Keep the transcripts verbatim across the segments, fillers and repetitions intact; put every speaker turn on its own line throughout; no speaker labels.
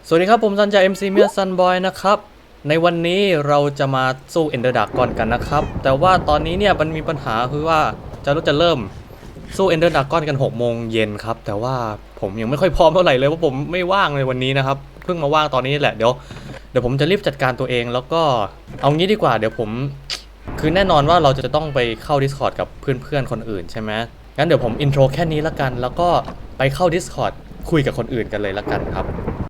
สวัสดีครับผมซันจาก เอ็ม ซี เมียซันบอยนะครับในวันนี้เราจะมาสู้เอนเดอร์ดักก่อนกันนะครับแต่ว่าตอนนี้เนี่ยมันมีปัญหาคือว่าจะเราจะเริ่มสู้เอนเดอร์ดักก้อนกันหกโมงเย็นครับแต่ว่าผมยังไม่ค่อยพร้อมเท่าไหร่เลยเพราะผมไม่ว่างในวันนี้นะครับเพิ่งมาว่างตอนนี้แหละเดี๋ยวเดี๋ยวผมจะรีบจัดการตัวเองแล้วก็เอางี้ดีกว่าเดี๋ยวผมคือแน่นอนว่าเราจะต้องไปเข้า Discord กับเพื่อนๆคนอื่นใช่ไหมงั้นเดี๋ยวผมอินโทรแค่นี้ละกันแล้วก็ไปเข้า Discord คุยกับคนอื่นกันเลยละกันครับ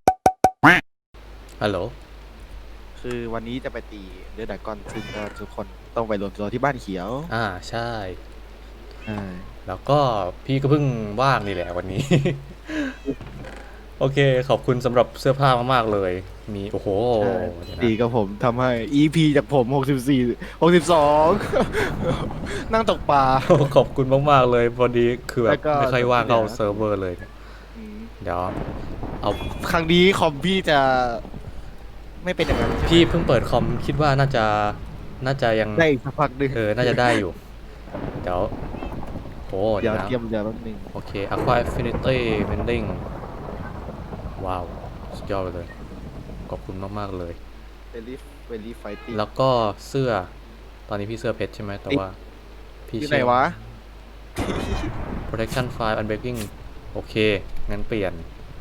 ฮัลโหล
คือวันนี้จะไปตีเดือดดากอนซึ่งก็ทุกคนต้องไปรวมตัวที่บ้านเขียว
อ่าใช่
อ่า
แล้วก็พี่ก็เพิ่งว่างนี่แหละวันนี้ โอเคขอบคุณสำหรับเสื้อผ้ามากๆเลยมีโอ้โหเดี๋ยวนะ
ตีกับผมทำให้ อี พี จากผมหกสิบสี่ หกสิบสอง นั่งตกปลา
ขอบคุณมากๆเลยพอดีคือแบ
แล้
บ
วก็
ไม่ค่อยว่างเข้า
เดี๋ยว
เซิร์ฟเวอร์เลยเนี่ย
อืม
เดี๋ยวเอา
ครั้งนี้คอมพี่จะไม่เป็นอย่างนั้น
พี่เพิ่งเปิดคอมคิดว่าน่าจะน่าจะยัง
ได้อีกสักพักหนึง
เออน่าจะได้อยู่เดี๋ยวโอ้
เดี๋
เดี๋
ย
ยว วนะ
เตรียมเดี๋ยวแป๊บนึง
โอเค Aqua Affinity Mending ว้าวสุดยอดเลยขอบคุณมากๆเลย
เวลี่เวลี่ไฟติ้ง
แล้วก็เสื้อตอนนี้พี่เสื้อเพชรใช่ไหมแต่ว่าพี่
ที่ไหน
เชื่อ
วะ
protection five unbreaking โอเคงั้นเปลี่ยน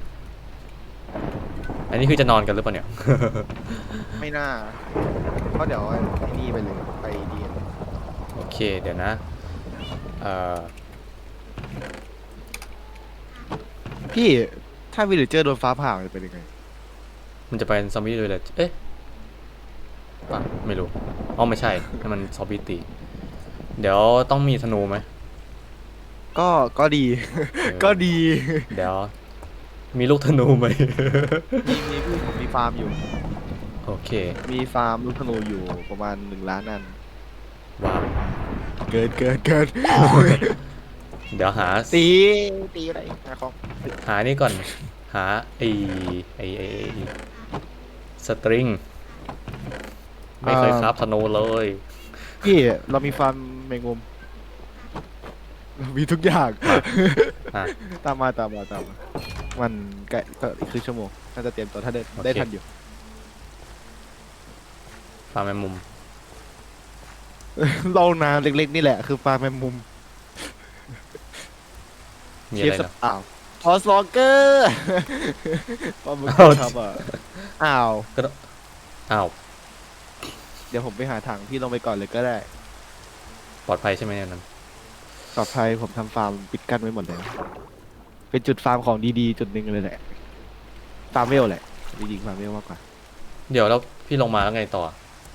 อันนี้คือจะนอนกันหรือเปล่าเนี่ย
ไม่น่าเพราะเดี๋ยวไอ้นี่ไปเลยไปดีน
โอเคเดี๋ยวนะเอ่อ
พี่ถ้าวิลเลเจอร์โดนฟ้าผ่ามันจะเป็นยังไง
มันจะเป็นซอมบี้เลยเลยเอ๊ะอ่ะไม่รู้อ๋อไม่ใช่ให้มันซอมบี้ตีเดี๋ยวต้องมีธนูไหม
ก็ก็ดี ก็ดี
เดี๋ยวมีลูกธนูไหม
มีมีพี่ผมมีฟาร์มอยู่
โอเค
มีฟาร์มลูกธนูอยู่ประมาณหนึ่งล้านอัน
ว้าว
เกินเกินเกิน
เดี๋ยวหา
ตีตีอะไรนะครับ
หานี่ก่อนหาไอไอไอสตริงไม่เคยครับธนูเลย
พี่เรามีฟาร์มแมงมุมเรามีทุกอย่าง
อ่ะ
ตามมาตามมาตามมามันใกล้ก็อีกครึ่งชั่วโมงน่าจะเตรียมตัวถ้าได้
โอเค
ได้ทันอยู่
ฟาร์มแมงมุม
เรานาเล็กๆนี่แหละคือฟาร์มแมงมุม
มี
เช
อะ
ฟ
ไร
ส
นะ
อ้าวพอสวอเกอร์ ปลาหมึก
อ้าว
ครับอ่ะอ้าว
ก็ต้องอ้าว
เดี๋ยวผมไปหาถังพี่ลงไปก่อนเลยก็ได้
ปลอดภัยใช่ไหมเนี่ยนั้น
ปลอดภัยผมทำฟาร์มปิดกั้นไว้หมดเลยเป็นจุดฟาร์มของดีๆจุดหนึ่งเลยแหละฟาร์มเวลแหละจริงๆฟาร์มเวลมากกว่า
เดี๋ยวแล้วพี่ลงมาแล้วไงต่อ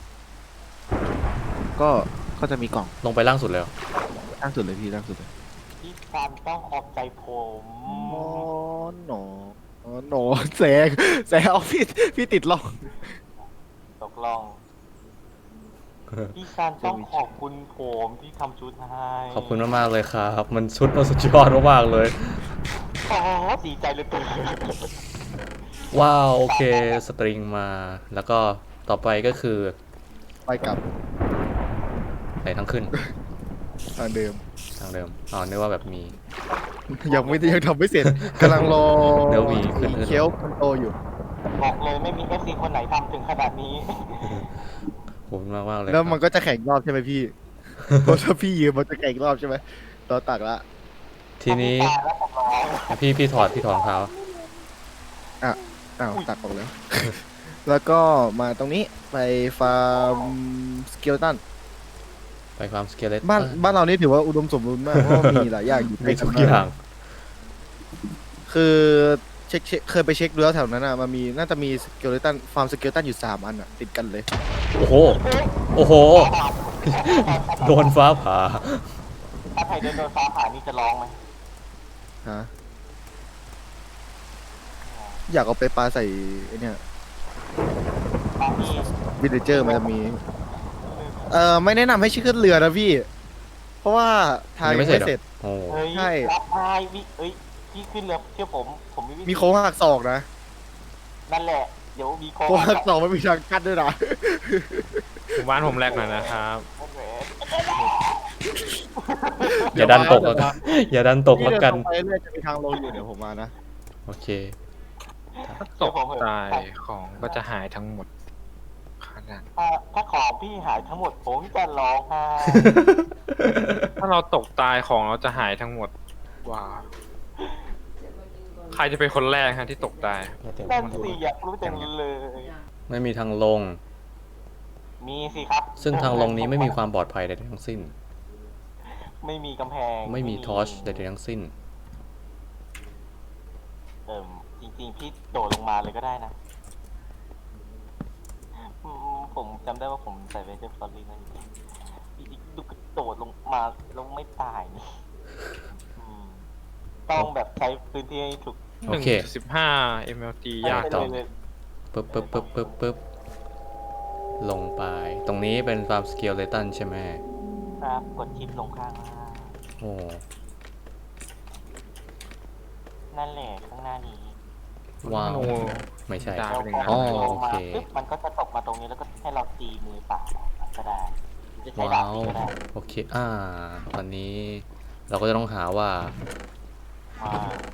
ก็ก็จะมีกล่อง
ลงไปล่างสุดเลยเหรอ
ล่างสุดเลยพี่ล่างสุดเลย
พี่ซันต้องขอบใจผม
อ๋อหนออ๋อหนอแสงแสงเอาพี่พี่ติดล่อง
ตกลองพี่ซันต้องขอบคุณผมที่ทำชุดให้
ขอบคุณมากๆเลยครับ มันชุดมันสุดยอดมากๆเลย
อ๋อดีใจเหลยเกิน
ว้าวโอเคสตริงมาแล้วก็ต่อไปก็คือ
ไปกลับ
ไหนทั้งขึ้น
ทางเดิม
ทางเดิมอ๋อนึกว่าแบบมี
ยังไม่ยังทำไม่เสร็จกำลังรอ
เดี๋ยวมีขึ้น
เคี้ยวคนโตอยู่
บอกเลยไม่มีเอฟซีคนไหนทำถึงขนาดนี้
ขอบคุณมากมากๆเลย
แล้ว
ค
มั
รั
น
บ
ก็จะแข่งรอบใช่ไหมพี่ เพราะถ้าพี่ยืมมันจะแข่งรอบใช่ไหมต่อตักละ
ทีนี้
แล้วผมร้อง
พี่พี่ถอดพี่ถอดรองเท้า
อ้าวตักออกแล้ว แล้วก็มาตรงนี้ไปฟาร์มสเกลตัน
ไปฟาร์มสเกเลต
บ้านบ้านเรานี่ถือว่าอุดมสมบูรณ์มาก เพราะว่ามีหลายอย่างอยู่
มี
ใกล้
ทุก
น
อย่าง
คือเช็คเช็คเคยไปเช็คดูแล้วแถวนั้นอ่ะมันมีน่าจะมีสเกลตันฟาร์มสเกลตันอยู่สามอันอ่ะติดกันเลย
โอ้โหโอ้โห โดนฟ้าผ่า
ถ้าใครโดนฟ้าผ่านี่จะร้องไหม
ฮะอยากเอาไปปลาใส่ไอ้เนี่ย
ตามที่
วิลเลเจอร์มันจะมี เอ่อไม่แนะนำให้ชื่อขึ้นเรือนะพี่ เพราะว่าทาง
ยัง
ยัง
ไม่
ไม่
เส
เส
ร็
ร็
จ
จ
เหรอโอ้
เฮ้ย
ใช่
รับนายวิเอ้ยพี่ขึ้นเรือเชื่อผมผมมีวิธี
มีโค้งหักศอกนะ
นั่นแหละเดี๋ยวมีโค้ง
โค้งหักศอกไม่มีทางกั้นด้วยนะ
หมู่บ้านผมแรกหน่อยนะครับ
อย่าดันตกแล้วกันอย่าดันตก
พี่
แล้ว
เดิน
กัน
ตรงไปเรื่อยจะมีทางลงอยู่เดี๋ยวผมมานะ
โอเค
ถ้าตกตายของก็จะหายทั้งหมดขนาด
ถ้าถ้าของพี่หายทั้งหมดผมจะร้องไห้
ถ้าเราตกตายของเราจะหายทั้งหมดว้าวใครจะเป็นคนแรกฮะที่ตกตาย
นั่นสิอยากรู้จังเลย
ไม่มีทางลง
มีสิครับ
ซึ่งทางลงนี้ไม่มีความปลอดภัยใดๆทั้งสิ้น
ไม่มีกำแพง
ไม่มีทอร์ชใดๆทั้งสิ้น
เอิ่มจริงๆพี่โดดลงมาเลยก็ได้นะอืมผมจำได้ว่าผมใส่เวเจอร์ฟอร์ลี่นั่นเองพี่ดูกระโดดลงมาแล้วไม่ตายนี่อืมต้องแบบใช้พื้นที่ให้ถูก
โอ
หนึ่ง
เค
จุดสิบห้า เอ็ม แอล ที ยาก
ไป
ต่อ
เลย
ปึ๊บปึ๊บปึ๊บปึ๊บปึ๊บลงไป ตรงนี้เป็นฟาร์มสเกลเลตันใช่ไหม
ครับกดชิปลงข้างล่าง
โอ้
นั่นแหละข้างหน้านี้
ว้าว
โน
ไม่ใช่
ได้
เรา
เป็น
พ
ไง
อ
อ๋อ
ล
โอง
มา
เค
ปึ๊บมันก็จะตกมาตรงนี้แล้วก็ให้เราตีมือเปล่าก็ได้หรือจะใช้ดา
ว้า
บ
ว
ตีก็ได้
โอเค อ่า ตอนนี้เราก็จะต้องหาว่า
อ่า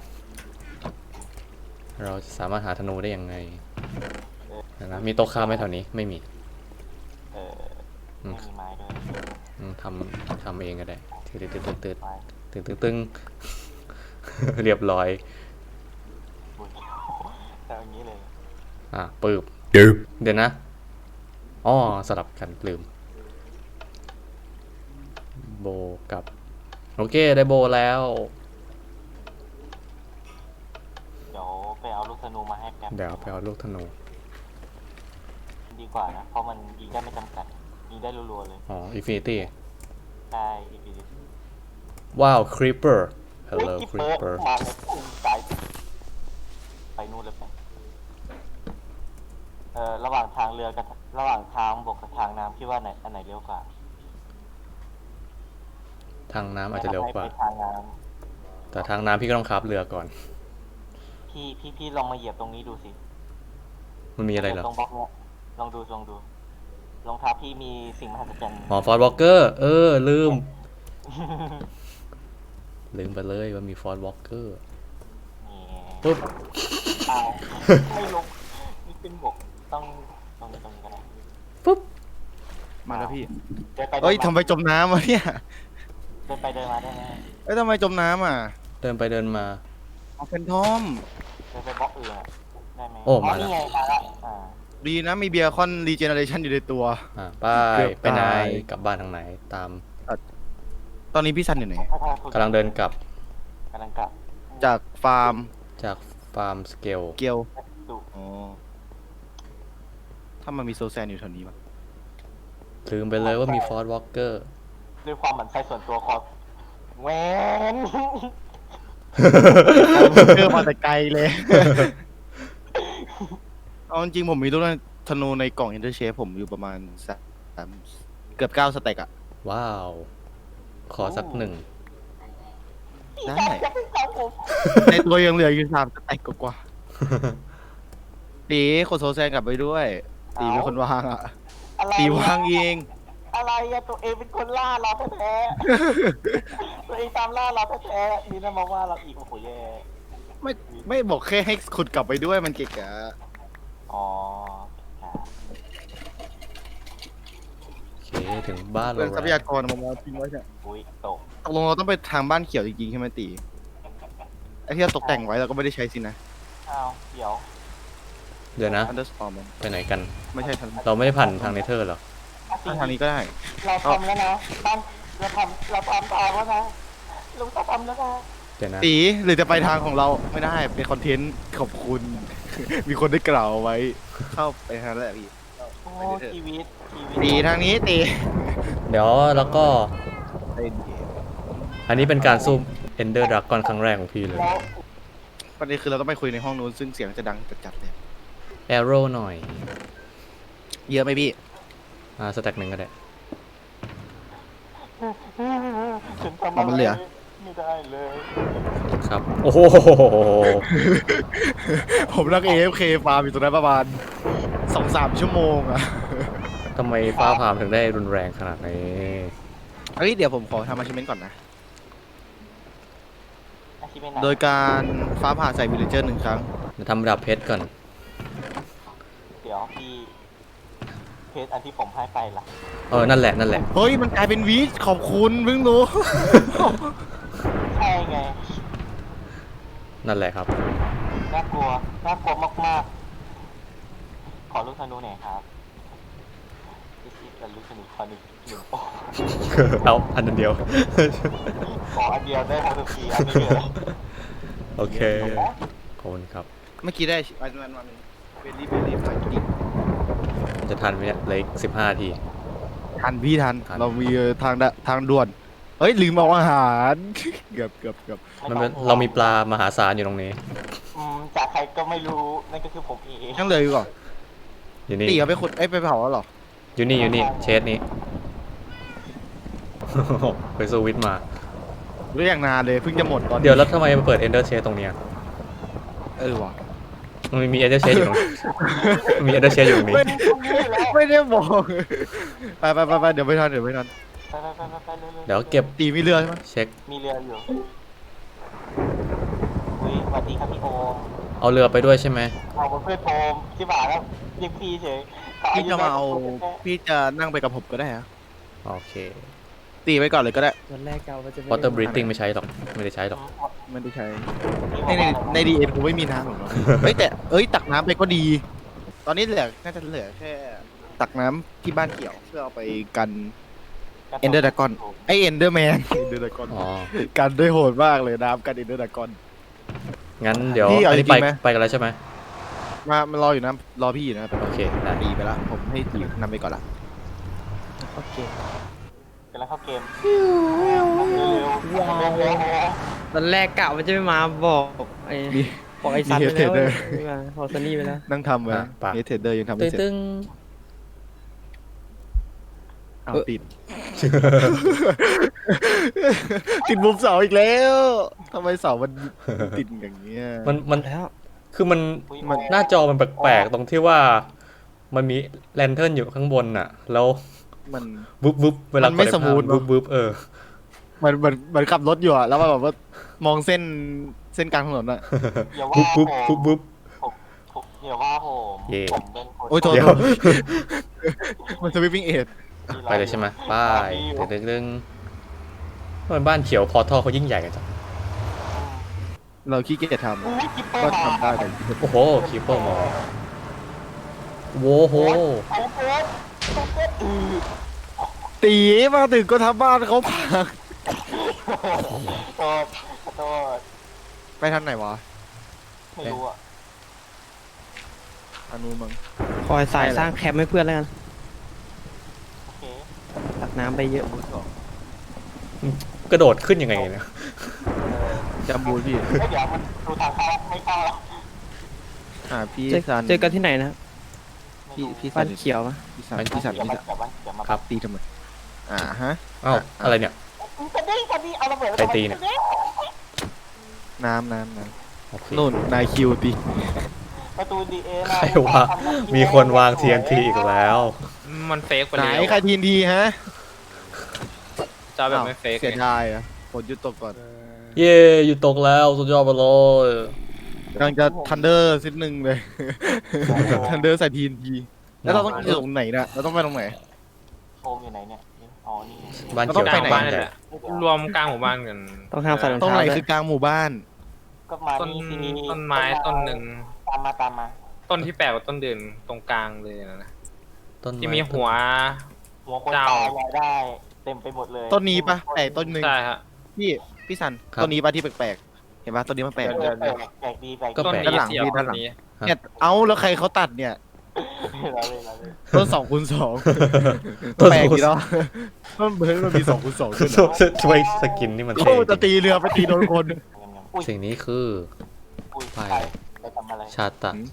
เราจะสามารถหาธนูได้ยังไงเดี๋ยวนะมีโต๊ะค้าไหมแถวนี้ ไม่มี
เออ
อืม
ไม่มีไม้ด้วย
อืมทำทำเองก็ได้ตืดตืดตืดตืด
ไม้
ตึงตึงตึง เรียบร้อย
บุญแต่อย่างนี้เลย
อ่ะปืบเดี๋ยวนะอ๋อสลับกันลืม โบกับ โอเค ได้โบแล้ว
เดี๋ยวไปเอาลูกธนูมาให้แป๊บ
เดี๋ยวไปเอาลูกธนู
ดีกว่านะ เพราะมันยิงได้ไม่จำกัด ยิงได้รัวๆเลย
อ๋ออินฟินิตี้
ได้อีพี
ว้าวครีปเปอร์ฮัล
เฮ้ย
โหล
กิ๊บ
ครี
เปิ
ป
ร์
เปอร์
มาเลยพุ่งใจไปนู่นเลยไปเอ่อระหว่างทางเรือกับระหว่างทางบกกับทางน้ำคิดว่าไหนอันไหนเร็วกว่า
ทางน้ำอาจจะเร็วกว่า
ไปทางน้
แต่ทางน้ำพี่ก็ต้องขับเรือก่อน
ำพี่พี่พี่ลองมาเหยียบตรงนี้ดูสิ
มันมีอะไรเหรอ
ตรงบล็อกเนี้ยลองดูลองดูรองเท้าพี่มีสิ่งมหัศจรรย์
หมอฟอร์ดวอลเกอร์ เออ ลืม ลืมไปเลยว่ามีฟอร์ดวอลเกอร์
นี่
ปุ๊บ
เอาไม่ลงนี่เป็นบกต้องตรงนี้ตรงนี้ก็ได้
ปุ๊บ
มาแล้วพี่
เดินไปเดิ
เอ้ย
น
ทำ
มา
ไมจมน้ำวะเนี่ย
เดินไปเดินมาได้ไหม
เอ้ยทำไมจมน้ำอ่ะ
เดินไปเดินมา
เอาเป็นทอม
เดินไปบล็อกอื่นอะได้ไหม
โอ้มาแล้ว
นี่ไงมาแล้วอ่า
ดีนะมีเบียร์คอนรีเจเนเรชันอยู่ในตัว
อ่าไป
เกือบ
ไปไหน
ตาย
กลับบ้านทางไหน ตาม
ตอนนี้พี่ซันอยู่ไหน
กำลังเดินกลับ
กำลังกลับ
จากฟาร์ม
จากฟาร์มสเกล
เกียว
ดู
อ๋อ ถ้ามันมีโซแซนอยู่แถวนี้มั้ง
ลืมไปเลยว่ามีฟอร์ดวอลเกอร์
ด้วยความหมั่นไส้ส่วนตัวขอแหวน
เจอมาแต่ไกลเลย เอาจริงๆผมมีลูกธนูในกล่องอินเตอร์เชฟผมอยู่ประมาณสามเกือบเก้าสเต็กอะ
ว้าว ขอสักหนึ่ง
ได้
จะเป็นสาวผม
ในตัวยังเหลืออยู่สามสเต็กกว่าๆตีคนโซแซนกลับไปด้วย ตีเป็นคนวางอะ
อะไร
ตีวางเอง
อะไรอะตัวเองเป็นคนล่าเราแท้ๆตัวเองตามล่าเราแท้ๆนี่นะมาว่าเราอีกโอ้โหแย่
ไม่ไม่บอกแค่ให้ขุดกลับไปด้วยมันเกะกะ
อ๋อครับ
โอเค ถึงบ้าน
เรื่
เรา
องทรัพ
แล้ว
ยากรมันมาทิ้งไว้เนี่ย
อุ้ยตก
ตกลงเราต้องไปทางบ้านเขียวจริงๆใช่ไหมตีไอ้ที่เราตกแต่งไว้เราก็ไม่ได้ใช้สินะ
อ้าวเดี๋ยว
เดี๋ยวนะ
อันเดอร์สตอร์ม
ไปไหนกัน
ไม่ใช่ทาง
เราไม่ได้ผ่านทางเนเธอร์หรอ
ทางนี้ก็ได้
เราทำแล้วนะบ้านเราทำเราทำตามแล้วนะลุงจะทำแล้วนะ
เดี๋ยวนะ
ตีหรือจะไปทางของเราไม่ได้เป็นคอนเทนต์ขอบคุณ มีคนได้กล่าวเอาไว้ เข้าไปทางนั้นแหละพี่
โอ้ชีวิตชีวิต
ตีทางนี้ตี
เดี๋ยวแล้วก็
เล่นเกม
อันนี้เป็นการสู้เอนเดอร์ดราก้อนครั้งแรกของพี่เลย
แล้ว
ประเด็นคือเราต้องไปคุยในห้องนู้นซึ่งเสียงจะดังจัดๆเลย
แอโร่หน่อย
เยอะไหมพี่
อ่าสแต็กหนึ่งก็ได้
ฉันทำ
อ๋อมันเหลือ
ไม่ได้เลย
ครับ โอ้โห
ผมนั่ง เอ เอฟ เค ฟาร์มอยู่ตรงนั้นประมาณสองสามชั่วโมงอะ
ทำไมฟ้าผ่ามถึงได้รุนแรงขนาดนี้
เฮ้ยเดี๋ยวผมขอทำอาชิเมนต์ก่อนนะ
อาชีพเป็นไหน
โดยการฟ้าผ่าใส่วิลเลเจอร์หนึ่งครั้ง
เดี๋ยวทำดาบเพชรก่อน
เดี๋ยวพี่เพจอันที่ผมให้ไปล่ะ
เออนั่นแหละนั่นแหละ
เฮ้ยมันกลายเป็นวีชขอบคุณเพิ่งรู้
ใช่ไง
นั่นแหละครับ
น่ากลัวน่ากลัวมากๆขอลูกธนูหน่อยครับพี่ซีกับลูกธนูขอหนึ่งหนึ่งโอ้
เอาอันนั้นเดียว
ขออันเดียวได้ทั้งทุกทีอันนี้เลย
โอเคขอบคุณครับ
เมื่อกี้ได้อันมันมันเบลลี่เบลลี่มากิน
จะทันไหมเนี่ยเหลืออีกสิบห้าที
ทันพี่ทัน
ทัน
เรามีทางดะทางด่วนเฮ้ยลืมเอาอาหาร เกือบเกือบเกือบ
มันเป็นเรามีปลามหาศาลอยู่ตรงนี้
อืมจากใครก็ไม่รู้นั่นก็คือผมเอง
ยังเหลยอยู่ก่อน
อยู่นี่
ตีเอาไปขุดเอ้ยไปเผาแล้วเหรอ
อยู่นี่อยู่นี่เชสนี้ ไปสู้วิทย์มา
เรื่องอย่างนานเลยเพิ่งจะหมดตอนนี้
เดี๋ยวแล้วทำไมมาเปิด Ender Chest ตรงเนี้ย
เออว่ะ
มันมี Ender Chest อยู่ตรง มี Ender Chest อยู่ตรงนี้
ไม่ไม่ได้บอกไปไปไปไปเดี๋ยวไม่ทันเดี๋ยวไม่ทัน
ไปไปไปไปไปเร็วๆ
เดี๋ยวเก็บ
ตีมีเรือใช่ไหม
เช็ค
มีเรืออยู่อุ้ยสวัสดีครับพี่โอม
เอาเรือไปด้วยใช่ไหม
เอาเพื่อนโอมที่บ่าแล้วเรียกพี่เฉยข
พี่จะมาเอา
ยุน้ยกว่
พี่จะนั่งไปกับผมก็ได้ฮะ
โอเค
ตีไปก่อนเลยก็ได้
วันแรกเก่ามันจะไม่
Water breathing ไม่ใช้หรอก ไม่ได้ใช้หรอก
ไม่ได้ใช้
พี่
ใน
บอก
ใน
ว่า
ในดีเอ็นกูไม่มีน้ำหรอกเนาะ เฮ้ยแต่เอ้ยตักน้ำไปก็ดี ตอนนี้เหลือน่าจะเหลือแค่ตักน้ำที่บ้านเกี่ยวเพื่อเอาไปกันเอนเดอร์ดากอนไอเอนเดอร์แมนเอนเดอร์ดากอน
อ๋อ
กันได้โหดมากเลยน้ำกันเอนเดอร์ดากอน
งั้นเดี๋ยว
พี่เอา
อันนี้
จริ
ไป
งๆไหม
ไปกันแล้วใช่ไหม
มามันรออยู่นะรอพี่อยู่นะ
โอเค ได้
ตีไปละผมให้ตีนำไปก่อนละ
โอเค
กำลังเข้าเกมเร็วๆว้าว
วันแรกกะมันจะไม่มาบอกไอ้
มี
บอกไอ้ซัน
มี
ไปแล้ว
Headlander
ไม่มาบอกซันนี่ไปแล้ว
นั่งทำไว้
อ่ะปะ
เนเธอร์เดอร์ยังทำ
ตึ้
ไม่
ง
เสร็จ
ตึ้ง
เอาติด ติดมุมเสาอีกแล้วทำไมเสามันติดอย่างเงี้ย
มันมัน
แล้ว
คือมัน
อุ๊ย
มันหน้าจอมันแปลกๆตรงที่ว่ามันมีแลนเทิร์นอยู่ข้างบนน่ะ แล้ว
มัน
วุบวุบเวลา
มันไม่
กดอ้
สมูท
ภาพวุบวุบเออ
มันมันมันขับรถอยู่อะแล้วมันแบบว่ามองเส้นเส้นกลางถนนอะ
อย่า
วุ
ว่า
บวุบ
ผ
วุ
ม
บวุบ
ผมผมอย่าว่าผม
เย่
ผมเป็นคน
โอ้ยโทษ
เดี๋ยว
โทษมันสวิปปิ้งเอ็ด
ที่
ไปเลยใช่ไหมไป้าย
ที่
ตึ้งตึ้งทำไมบ้านเขียวพอท่อเขายิ่งใหญ่กันจัง
เราขี้เกียจท
อุ้ยกิ๊ปเปอ
ำก็
ร์มา
ทำได้แต่
โอ้โหคีเปอร์มอลโว้โห
โอ้โหโอ้โหอือ
ตีมาถึงก็ทำบ้านเขาพัง
โทษขอโทษ
ไปทางไหนวะ
ไม่รู้อ่ะ
ทางนู้นมั้ง
คอยสายสร้างแคมป์ให้เพื่อนแล้วกัน
โอเค
ตักน้ำไปเยอะ
กระโดดขึ้นยังไงเนี่ย
จำบูนพี่
เอ้ยเดี๋ยวมันดูทางเข้าไม่เข้าแล้ว
อ่าพี่
เจอ
ซัน
เจอกันที่ไหนนะครับ
พี่พี่ซั
บ้าน นเขียวปะ
พี่ซัน
บ้าน
พี่ซัน
เดี๋ยว
พี่
มา
ซัน
เดี๋ยวมาเดี๋ยวมา
ครับ
ตีทำไมอ่าฮะ
อ้าวอะไรเนี่ย
จะได้จะได้เอาระเบิด
ใครตีเนี่ย
น้ำน้ำน้
โอเค
ำนู่นนายคิวตี
ประตูดีเอ
ใครว่ามีคนวาง ที เอ็น ที อีกแล้ว
มันเฟกไป
ไหน
แล้ว
ใครทีนทีฮะ
จะเอาแบบไม่เฟก
เสียดายอ่ะฝนหยุดตกก่อน
เย่อยู่ตกแล้วสุดยอดไปเลย
กำลังจะทันเดอร์ซิดหนึ่งเลย ทันเดอร์ใส่ทีนทีแล้วเราต้องอยู่ตรงไหนนะเราต้องไปตรงไหน
โอมอยู่ไหนเนี่ยอ๋อนี่
บ้าน
เราต้
เขี
อย ง
ว
ไป
กลาง
ไหน
บ้านนี่แหละรวมกลางหมู่บ้านกัน
ต้องห้ามใส่รอง
ตรง
เท้า
ไหน
ด้ว
คื
ย
อกลางหมู่บ้าน
ก็มา
ต้น
นี่สิ
ต้นไม้ต้นหนึ่ง
ตามมาตามมา
ต้นที่แปลกกว่าต้นเดือนตรงกลางเลยนะนะ
ต้น
ที่มีหัว
หัวคน
เจ้า
ตายรายได้ เต็มไปหมดเลย
ต้นนี้ปะแต่ต้นหนึ่ง
ใช่ฮะ
พี่พี่สันต้นนี้ปะที่แปลกๆเห็นปะต้นนี้มันแปลก
แปลกแปลกแปลกดีแปลก
ก็
ต้น
แปลก
นี้
ด้านหลัง
เสียว
พี่ด้านหลัง
นี้
เนี่ยเอาแล้วใครเขาตัดเนี่ย
เราเลยเราเลย
ต้นสองคูณสอง
ต้น
แปลก
สองคู
ดี
ณ
เนาะมันเหมือนมันมีสองคูณสองด้วย
ช่วย
นะ
ช่วยสกินนี่มัน
โอ้
เท่จ
จะ
ริง
ตีเรือไปตีโดนคน
อุ้ย
สิ่งนี้คือ
อุ้ย
ไป
ใครไปทำอะไร
ชาตะ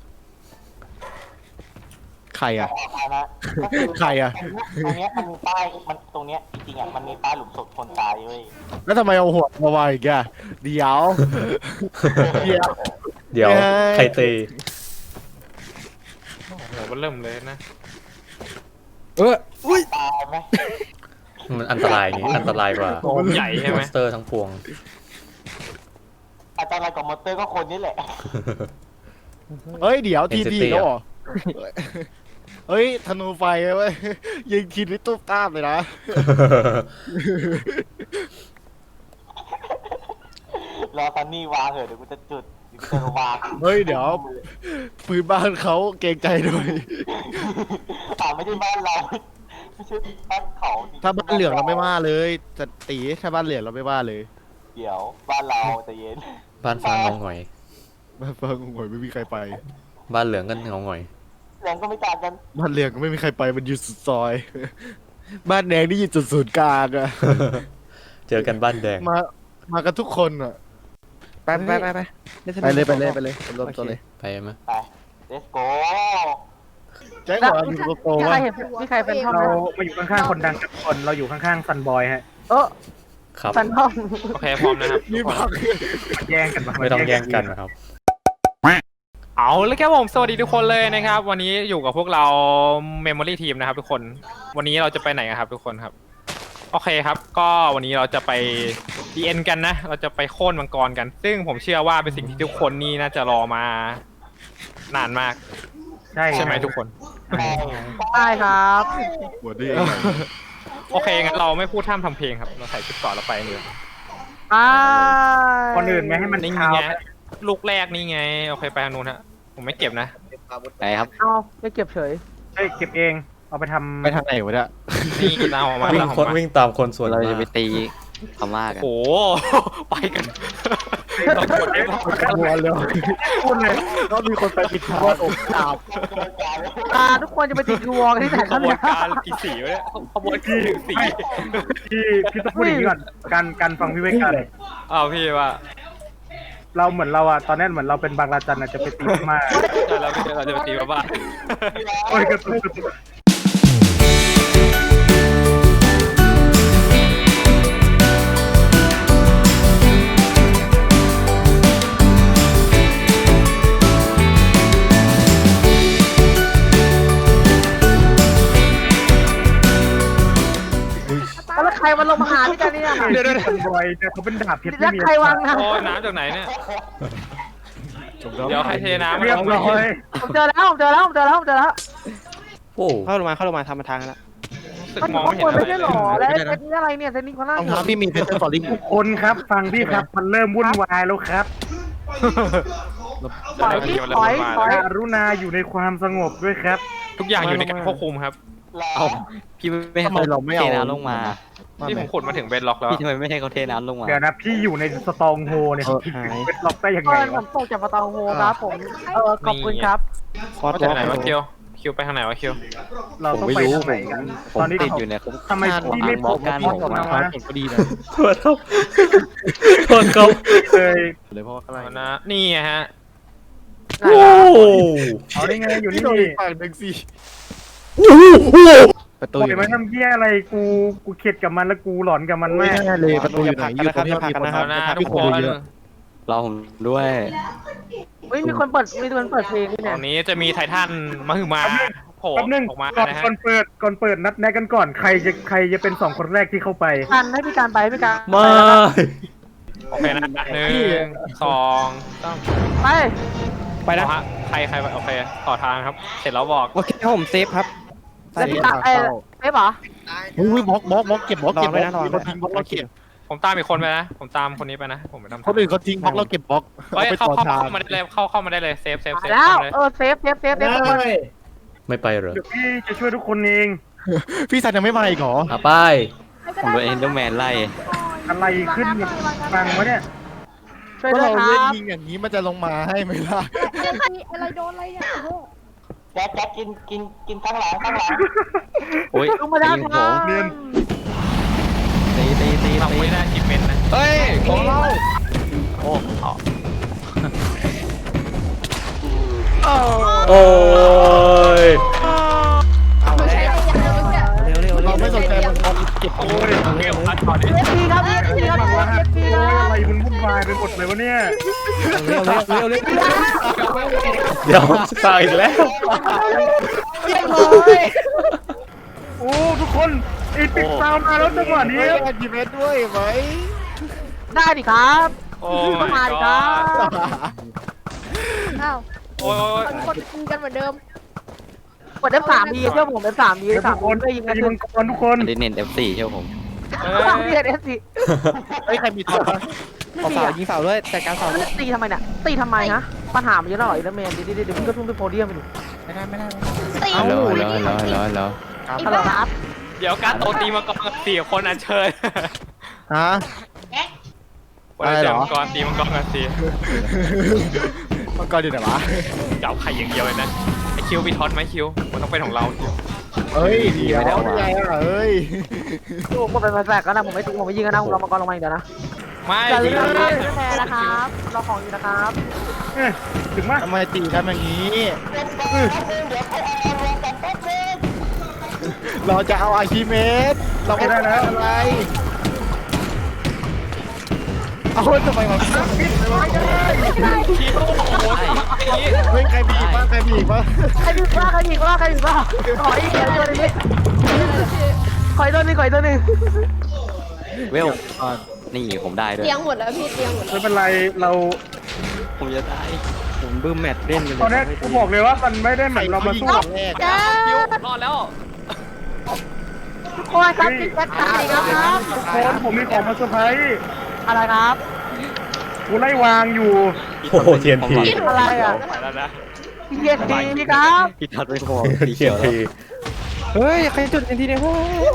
ใครอ่ะ
เอานะก็อ
ใครอะ
ตรงเนี้ยมันมีป้ายมันตรงเนี้ยจริงๆอ่ะมันมีป้ายหลุมศพคนตายเว้ย
แล้วทำไมเอาหัวมาวางอีกอะเดี๋ยวเดี๋ยว
เดี๋ยว
เย้
ใครตี
โอ้โหมันเริ่มเลยนะ
เอออุ้ย
ตายไหม
มันอันตรายอย่างงี้อันตรายกว่า
โอ้ใหญ่ใช่
ม
ไหม
อนสเตอร์ทั้งพวง
อาจารย์อะไรกับมอเตอร์ก็คนนี่แหละ
เฮ้ยเดี๋ยวที
Entity
ทีแล้วเหรอเฮ้ยธนูไฟเว้ยยิงทีนี่ตุ๊บตามเลยนะ
รอซันนี่วางเถอะเดี๋ยวกูจะจุดเดี๋ยวกูจะวาง
เฮ้ยเดี๋ยวปืนบ้านเขาเกรงใจด้วย
อ่าไม่ใช่บ้านเราไม่ใช่บ้านเขา
ถ้าบ้านเหลืองเราไม่ว่าเลยจะตีถ้าบ้านเหลืองเราไม่ว่าเลย
เดี๋ยวบ้านเราใจะเย็น
บ้านฟ้าเงาหงอย
บ้านฟ้างงอยไม่มีใครไป
บ้านเหลืองก็เงาหงอย
แรงก็ไม่ต่างกัน
บ้านเหลืองก็ไม่มีใครไปมันอยู่สุดซอย บ้านแดงนี่อยู่จุดศูนย์กลางอะ
เจอกันบ้านแดง
มามากันทุกคนอะ
ไปไปไปไป
ไปเลยไปเลยไปเลยรวมตัวเลย
ไปไหม
ไป let's go
แจ็คบอกอยู่โกโก้
มีใคร
ว่า
เห็นมีใครเป็นทอม
เรา
ไหม
มาอยู่ข้างๆคนดังกับคน เราอยู่ข้างๆซันบอยฮะ
เออ
ครับ
ฟันทอม
โอเคพร้อมนะครับ
มีบัก
แย่งกันปะ
ไม่ต้องแย่งกันนะครับ
เอาเลยครับผมสวัสดีทุกคนเลยนะครับ วันนี้อยู่กับพวกเรา Memory Team นะครับทุกคน วันนี้เราจะไปไหนกันครับทุกคนครับ โอเคครับ ก็วันนี้เราจะไป ดี เอ็น กันนะ เราจะไปโค่นมังกรกัน ซึ่งผมเชื่อว่าเป็นสิ่งที่ทุกคนนี่น่าจะรอมานานมาก
ใช่
ใช่ไหมทุกคน
ได้ครับ
หัวดี
โอเคงั้นเราไม่พูดท่ามทำเพลงครับ เราใส่ชุดเก่อนเราไปเลย
อ่า
คนอื่นไม่ให้มัน
นี่
เช้า
ไงลูกแรกนี่ไง โอเคไปทางนู้นฮะ ผมไม่เก็บนะ
ไปครับ
เอาไม่เก็บเฉย
เฮ้ยเก็บเอง เอาไปทำ
ไปทางไหนวะเนี่ย
นี่เราออกมา
วิ่ง
เราอ
ค
อน กมา
วิ่งตามคนส่วน
เรา
มา
จะไป
ก
ตีพม่ากัน
โอ้โห ไปกันเรากดได้ปะ
หัวเลยพูดเลยก็มีคนไปปิดทางอกดาบ
อ่าทุกคนจะไปติดยูวอลกันที่ไหน
ข
ครับ
บวน
เนี่ย
การกี่สีวะเนี่ยขบวนการกี่สี
พี่พี่ต้องพูดอย่างนี้ก่อนการการฟังพี่ไว้กัน
อ้าวพี่ว่า
เราเหมือนเราอะตอนนี้เหมือนเราเป็นบางราจันอะจะไปตีพม่า
ใช่แล้วพี่เราจะไปตีมาบ้าน
โอ้ยกระตุกกระตุก
แล้วใครมาลงมาหาพี่กันเนี่ย
เดี๋ยวซันบอยแต่เขาเป็นดาบเพชร
แล้
ไม่
ว
มี
ใครวางนะ
โอ้ยน้ำจากไหนเนี่ย เดี๋ยวใครเทน้ำ
เรียบร้อย
ผมเจอแล้วผมเจอแล้วผมเจอแล้วผมเจอแล้ว
โอ้
เข้าลงมาเข้าลงมาทำมาทางแล้ว
สึก
มัน
มอง
ข้าง
ไม่
บ
เห็น
น
อะไร
ไม่
เล
ใช่
ย
หรอแล้วเซตนี้อะไรเนี่ยเซตนี้คนล่าง
รองเท้าพี่มีเพชรฟอร์ลิง
ทุกคนครับฟังพี่ครับมันเริ่มวุ่นวายแล้วครับ
ถอยที่ถอยถอย
กรุณาอยู่ในความสงบด้วยครับ
ทุกอย่างอยู่ในการควบคุมครับ
เอา
พี่ไม่ให้
ทำไมเราไม่เอา
เทน้ำลงมา
ที่ผมขุดมาถึงเบนล็อกแล้ว
พี่ทำไมไม่ให้เขาเทน้ำลงมา
เดี๋ยวนะพี่อยู่ในสตองโฮเนี่ย
เออ
พี่เป็นล็อกได้ยังไง
เพื่อนผ
วะ
มตกจากประตูโฮครับผมเออขอบคุณครับ
คอร์ส
มาจากไหนวะคิวคิวไปทางไหนวะคิว
เรา
ผม
ต้อง
ไม่
ไป
รู้
ทางไหนกัน
ผม
ตอนนี้
ติดอยู่เนี่ยผม
ทำไมพี่ไม่ปลุก
การ
พี่
บอก
ผม
มา
มา
เก่งก็ดีนะ
โทษครับโทษครับ
เลย
เลยเพราะว่าอะไร
เอานะนี่ไงฮะ
โอ้
เอาได้ไงอยู่
พี่
นี่
โดนอีกฝั่งหนึ่งสิประตู
ปล่
อ
อย
ยู่ไห
มัน
น
ทำเหี้ยอะไรกูกูเข็ดกับมันแล้วกูหลอนกับมัน
ไม่
แม่
แน่เลยประตูอยู่ไหนอยู่ตรงนี้มีคน
เอานะทุ
มี
ก
ค
คน น
เยอะ
รอผมด้วย
เฮ้ยมีคนเปิดมีคนเปิดเพลงนี่
ต
เนี่
อย นนี้จะมีไททันมาหือมาโผล่
แป๊บนึง
ออกมา
ก่อน
นะฮะ
ก่อนเปิดก่อนเปิดนัดแนะกันก่อนใครจะใครจะเป็นสองคนแรกที่เข้าไป
กันให้พี่การไปให้พี่การ
ไม่
โอเคนะหนึ่งสองสาม
ไป
ไปนะ
เอาฮะใครใครโอเคต่อทางครับ เสร็จแล้วบอก
โอเคผมเซฟครับ
แล้วพี่การเอ้เอ๊ะเหรอ
อุ้ยบล็อกบล็อกบล็อกเก็บบล็อก
รอ
เก็บ
ไว้
บล็อก
นะรอ
มี
ไว้
คนทิ้งบล็อกเราเก็บ
ผมตามอีกคนไปนะ ผมตามคนนี้ไปนะ ผมไปทำ
คนอื่นเขาทิ้งบล็อกเราเก็บบล็อก
เฮ้ย
เอาไป
เข้า
ต่อ
เข้า
ทาง
เข้ามาได้เลยเข้าเข้ามาได้เลยเซฟเซฟเซฟ
แล้ว
เข้ามาเลย
เออเซฟเซฟเซฟเซฟทุกคน
ไม่ไปเหรอ
เดี๋ยวพี่จะช่วยทุกคนเอง
พี่สันยังไม่มาอีกเหรอ
อ่ะไป
ผมโดนเอ็นเดอร์แมนไล่
อะไรขึ้นฟังวะเนี่ย
ช่วย
ก็
ด้วย
เรา
ค
เล่น
รับ
ยิงอย่างนี้มันจะลงมาให้ไหมล่ะ
อะไรโดนอะไรเนี่ยโอ้โห
แจ๊คแจ๊คกินกินกินข้างหลังข้างหลัง
โอ้ย
ลงมาด้าน
ตีผ
ล่าง
มตีตีตี
ทำ
ตี
ไม่ได้จิบเมนนะ
เฮ้ยของเราโอ้เอา
โอ้ย
เอา
ไม่
แล้
ใช่
ว
อย่างเดียวเนี่ย
เร็วเร็วเร็
เรา
ว
ไม่สนใจมันบอลเก็บ
โอ้
โอ้
ย
ย
เกมพัดก่อนดิ
เอฟพีครับเอฟพีครับ
ว่า
เอฟพี
โอ้
ค
ย
รับ
อะไรมันวุ่นวายไปหมดเลยวะเนี่ย
เร็วเร็วเร็วเร็ว
เดี๋ยวตายอีกแล้ว
เรียบร้อย
โอ้ทุกคนอีปิกซาวมาแล้วจังหวะนี้
เฮ้ยแอนดิเมตด้วยไหม
ได้ดิครับ
โอ้
มา
my
ดิครั
god
บ
อ้าว
โอ้ยโอ้ย
คนคนคุยกันเหมือนเดิม
กด เอฟ สาม ดีเชื่อผม เอฟ สาม ดี เอฟ สาม
ทุกคน
ได้ยิงกัน
ตี
ทุ
มั
ก
งกรทุกคน
เน้น เอฟ สี่ เชื่อผม
เอ้
สาม
ย
เดือน เอฟ สี่
เฮ้ยใครมีท็อปปะ
ไม่
เอา
มี
เสา
อ่ะ
ยิงเสาด้วยจัดการเสาด้วย
ตีทำไมเนี่ยตีทำไมฮะปัญหามันเยอะหน่อยแล้วแมนเดี๋ยวเดี๋ยวเดี๋ยวมึงก็ทุ่มไปโพเดียมไปดิ
ไม่ได้ไม่ได้
ตี
ฮัลโหล
ไม่
ฮัลโหล
ได้
ฮัลโหลฮัลโหลฮัลโหล
ครับ
ฮัลโหลครับ
เดี๋ยวการโตตีมาก่อนสี่คนอันเชิญ
ฮะ
วันนี้
อะไร
เจ
เหร
อ
อ
มังกรตีมังกรกันสิ
มังกรอยู่ไหนวะ
เจ้าไข่อย่างเดียวเลยนะไอคิวมีท็อตไหมคิวมันต้องเป็นของเราคิว
เฮ้ยเดี๋ยวไม่ได้อะเฮ้ย
ดูผมเป็นแฟกกันนะผมไม่ตีผมไม่ยิงกันนะผมรอมังกรลงมาอีกเดี๋ยวนะ
ไม่
อย่าลื
ดี
มนะแพ้นะครับรอของอยู่นะครับ
เอ้ยถึงมั้ย
ทำไมตีกันอย่างนี้ เราจะเอาอาชิเมสเราไม่ได้แล้วอะไรเอาทำไมมัน
คิวโอ้โหนี่
เฮ้ยใครมีอีกบ้างใครมีอีกบ้าง
ใครผิดบ้างใครผิดบ้างใครผิดบ้างขออีกเดี๋ยวตัวนี้ขออีกตัวนึงขออีกตัวนึง
เวลนี่ผมได้ด้วย
เตียงหมดแล้วพี่เตียงหมดแล้ว
ไม่เป็นไรเรา
ผมจะได้ ผมบึ้มแมตช์เล่นกันเลย
ตอนนี้กูบอกเลยว่ามันไม่ได้เหมือนเรามาสู้กับ
แรก
จ้า
คิวรอดแล้ว
ทุกคนครับติดแบ็คขาดีครับครับ
ทุกคนผมมีของมาเซอร์ไพรส์
อะไรครับ
กูไล่วางอยู่
โอ้โห ที เอ็น พี
อะไรอ่ะ
ไปแล้วนะ
เย็นดีครับ
พี่ทัดไม่พอสี
ที
เขี
เอ็
ย
น
วแล้ว
พี
เฮ้ยใครจุดเอ็นทีเนี่ย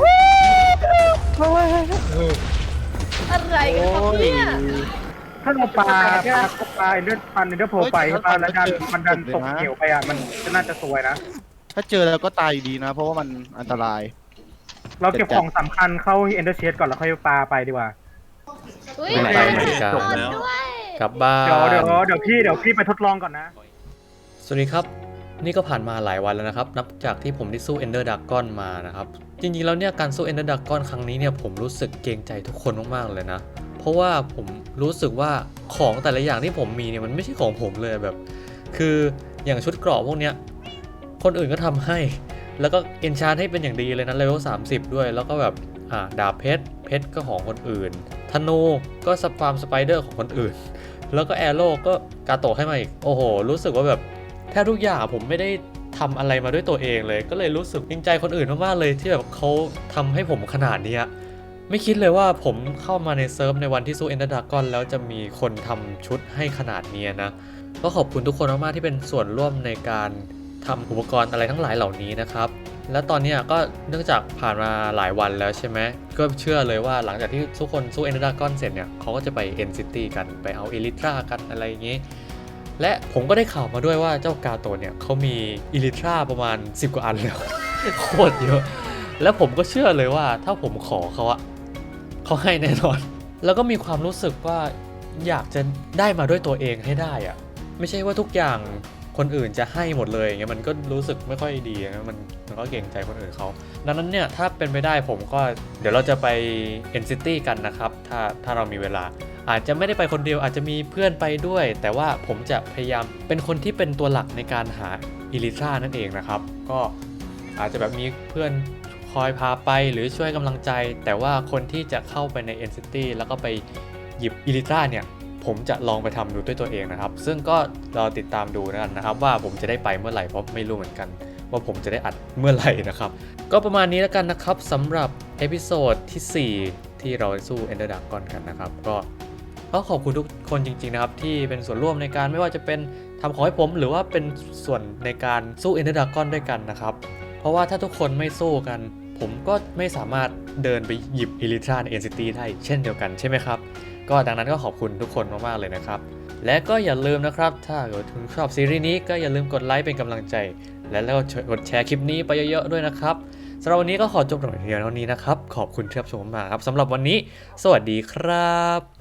อะไรกันครับเนี่ย
ถ้าเราปลาปลาปลาเลือดปันเลือดโผล่ไปปลาแล้วดันมันดันตกเหวไปอ่ะมันจะน่าจะสวยนะ
ถ้าเจอแล้วก็ตายอยู่ดีนะ เพราะว่ามันอันตราย
เราเก็บของสำคัญเข้าเอนเดอร์เชสก่อนแล้วค่อยปลาไปดีกว่า
อุ้ย
ไม่ไปเหมือนกัน
นอนด้วย
กลับบ้า
เดี๋ยวเดี๋ยวน
น
เดี๋ยวพี่เดี๋ยวพี่ไปทดลองก่อนนะ
สวัสดีครับ นี่ก็ผ่านมาหลายวันแล้วนะครับ นับจากที่ผมได้สู้ Ender Dragon มานะครับ จริงๆแล้วเนี่ยการสู้ Ender Dragon ครั้งนี้เนี่ยผมรู้สึกเกรงใจทุกคนมากๆเลยนะ เพราะว่าผมรู้สึกว่าของแต่ละอย่างที่ผมมีเนี่ยมันไม่ใช่ของผมเลยแบบ คืออย่างชุดเกราะพวกเนี้ยคนอื่นก็ทำให้ แล้วก็เอนชานให้เป็นอย่างดีเลยนะเลเวลสามสิบด้วย แล้วก็แบบอ่าดาบเพชรเพชรก็ของคนอื่นธนูก็สปาร์มสไปเดอร์ของคนอื่น แล้วก็แอโร่ก็กาโตะให้มาอีกโอ้โหรู้สึกว่าแบบแทบทุกอย่างผมไม่ได้ทำอะไรมาด้วยตัวเองเลย ก็เลยรู้สึกเกรงใจคนอื่นมากๆเลยที่แบบเขาทำให้ผมขนาดนี้ไม่คิดเลยว่าผมเข้ามาในเซิร์ฟในวันที่สู้ Ender Dragon แล้วจะมีคนทำชุดให้ขนาดนี้นะก็ขอบคุณทุกคนมากๆที่เป็นส่วนร่วมในการทำอุปกรณ์อะไรทั้งหลายเหล่านี้นะครับและตอนนี้ก็เนื่องจากผ่านมาหลายวันแล้วใช่ไหมก็เชื่อเลยว่าหลังจากที่ทุกคนสู้ Ender Dragon เสร็จเนี่ยเขาก็จะไป End City กันไปเอา Elytra กันอะไรอย่างงี้และผมก็ได้ข่าวมาด้วยว่าเจ้ากาโตะเนี่ยเขามี Elytra ประมาณสิบกว่าอันแล้ว โคตรเยอะแล้วผมก็เชื่อเลยว่าถ้าผมขอเขาอะเขาให้แน่นอน แล้วก็มีความรู้สึกว่าอยากจะได้มาด้วยตัวเองให้ได้อะไม่ใช่ว่าทุกอย่างคนอื่นจะให้หมดเลยอย่างเงี้ยมันก็รู้สึกไม่ค่อยดีนะมันมันก็เกรงใจคนอื่นเขาดังนั้นเนี่ยถ้าเป็นไปได้ผมก็เดี๋ยวเราจะไป End City กันนะครับถ้าถ้าเรามีเวลาอาจจะไม่ได้ไปคนเดียวอาจจะมีเพื่อนไปด้วย แต่ว่าผมจะพยายามเป็นคนที่เป็นตัวหลักในการหาอิลิทรานั่นเองนะครับก็อาจจะแบบมีเพื่อนคอยพาไปหรือช่วยกำลังใจแต่ว่าคนที่จะเข้าไปใน End City แล้วก็ไปหยิบอิลิทราเนี่ยผมจะลองไปทำดูด้วยตัวเองนะครับซึ่งก็รอติดตามดูกันนะครับว่าผมจะได้ไปเมื่อไหร่เพราะไม่รู้เหมือนกันว่าผมจะได้อัดเมื่อไหร่นะครับก็ประมาณนี้แล้วกันนะครับสำหรับเอพิโซดที่สี่ที่เราสู้ Ender Dragon กันนะครับก็ก็ขอบคุณทุกคนจริงๆนะครับที่เป็นส่วนร่วมในการไม่ว่าจะเป็นทำของให้ผมหรือว่าเป็นส่วนในการสู้ Ender Dragon ด้วยกันนะครับเพราะว่าถ้าทุกคนไม่สู้กันผมก็ไม่สามารถเดินไปหยิบ Elytra ใน End City ได้เช่นเดียวกันใช่ไหมครับก็ดังนั้นก็ขอบคุณทุกคนมากๆเลยนะครับและก็อย่าลืมนะครับถ้าเกิดคุณชอบซีรีส์นี้ก็อย่าลืมกดไลค์เป็นกำลังใจและแล้วกดแชร์คลิปนี้ไปเยอะๆด้วยนะครับสำหรับวันนี้ก็ขอจบลงเพียงเท่านี้นะครับขอบคุณที่รับชมมาครับสำหรับวันนี้สวัสดีครับ